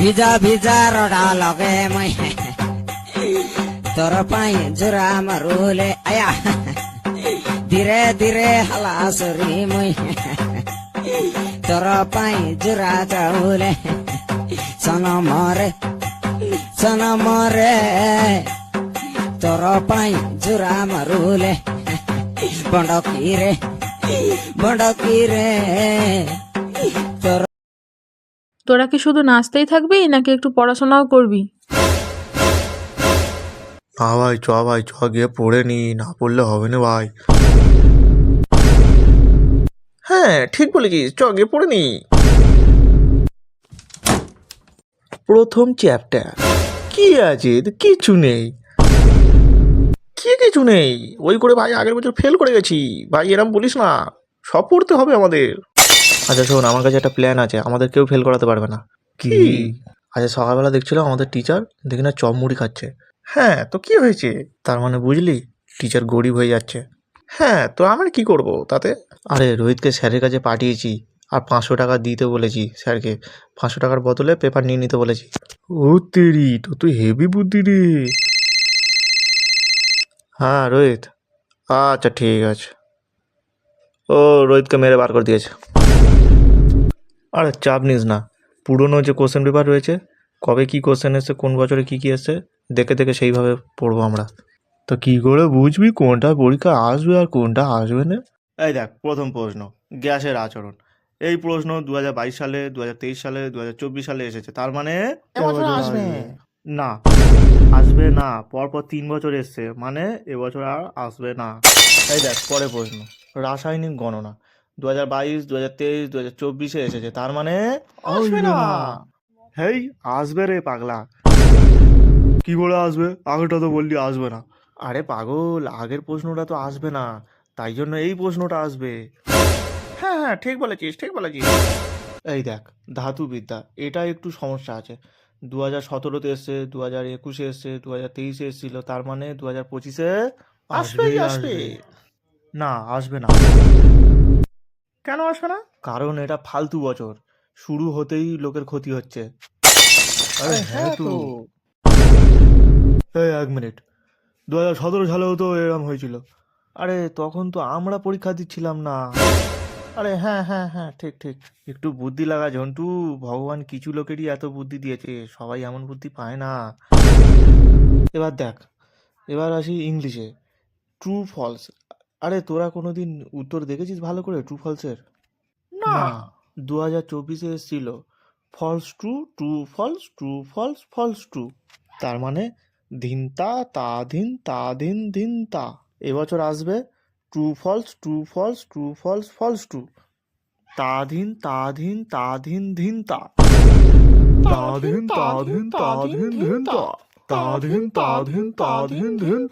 ভিজা ভিজা রডা লগে মই তোর পাই জোড়া মারুলে আয়া ধীরে ধীরে হালাসরি মই তোর পাই জোড়া চাউলে সনমরে তোর পাই জোড়া মারুলে বড়কিরে তোর। তোরা কি শুধু নাচতেই থাকবি নাকি একটু পড়াশোনাও করবি? না ভাই চ গিয়ে পড়ে নি, না পড়লে হবে না ভাই। হ্যাঁ ঠিক বলেছিস, চ গিয়ে পড়ে নি। প্রথম চ্যাপ্টার কি আছে? কিছু নেই, কিছু নেই। ওই করে ভাই আগের বছর ফেল করে গেছি ভাই, এরম বলিস না, সব পড়তে হবে আমাদের। আচ্ছা শোন, আমার কাছে একটা প্ল্যান আছে, আমাদের কেউ ফেল করাতে পারবে না। কি? আচ্ছা সকালবেলা দেখছিলাম আমাদের টিচার দেখি না চপ মুড়ি খাচ্ছে। হ্যাঁ তো কি হয়েছে? তার মানে বুঝলি টিচার গরিব হয়ে যাচ্ছে। হ্যাঁ তো আমরা কি করব তাতে? আরে রোহিতকে স্যারের কাছে পাঠিয়েছি আর 500 টাকা দিতে বলেছি স্যারকে। 500 টাকার বদলে পেপার নিয়ে নিতে বলেছি। ও তেরি, তো তুই হেভি বুদ্ধি রে। হ্যাঁ রোহিত, আচ্ছা ঠিক আছে। ও রোহিতকে মেরে বার করে দিয়েছে। আরে চাপ নিস না, পুরনো যে কোশ্চেন পেপার রয়েছে, কবে কি কোশ্চেন এসছে, কোন বছরে কি কি এসছে দেখে দেখে সেইভাবে পড়বো আমরা। তো কি করে বুঝবি কোনটা পরীক্ষা আসবে আর কোনটা আসবে না? এই দেখ, প্রথম প্রশ্ন গ্যাসের আচরণ। এই প্রশ্ন 2022 সালে, 2023 সালে, 2024 সালে এসেছে, তার মানে এবছর আসবে না। আসবে না, পরপর 3 বছর এসছে, মানে এবছর আর আসবে না। এই দেখ পরে প্রশ্ন রাসায়নিক গণনা 2022, 2023, 2024 এসেছে, তার মানে আসবে না। হেই আসবে রে পাগলা। কি করে আসবে? আগেরটা তো বললি আসবে না। আরে পাগল, আগের প্রশ্নটা তো আসবে না, তাই জন্য এই প্রশ্নটা আসবে। হ্যাঁ হ্যাঁ ঠিক বলেছিস, ঠিক বলেছিস। এই দেখ ধাতুবিদ্যা, এটা একটু সমস্যা আছে। 2017-তে এসছে, 2021-এ এসছে, 2023-এ এসেছিল, তার মানে 2025-এ আসবেই আসবে। না আসবে না। কেন আসবে না? কারণ এটা ফালতু বছর, শুরু হতেই লোকের ক্ষতি হচ্ছে। আরে হ্যাঁ তো। এই 1 মিনিট, 2017 সালেও তো এরকম হয়েছিল। আরে তখন তো আমরা পরীক্ষা দিচ্ছিলাম না। আরে হ্যাঁ হ্যাঁ হ্যাঁ ঠিক ঠিক। একটু বুদ্ধি লাগা ঝন্টু, ভগবান কিছু লোকেরই এত বুদ্ধি দিয়েছে, সবাই এমন বুদ্ধি পায় না। এবার দেখ, এবার আসি ইংলিশে, ট্রু ফলস। আরে তোরা কোনোদিন উত্তর দেখেছিস ভালো করে ট্রু ফলসের? না। 2024-এ এসেছিল false true, true false, true false, false true, তার মানে ধিনতা তা ধিন তা ধিন ধিন তা। এবছর আসবে true false, true false, true false, false true, তা ধিন তা ধিন তা ধিন ধিন তা, তা ধিন তা ধিন তা ধিন ধিন তা, তা ধিন তা ধিন তা ধিন ধিন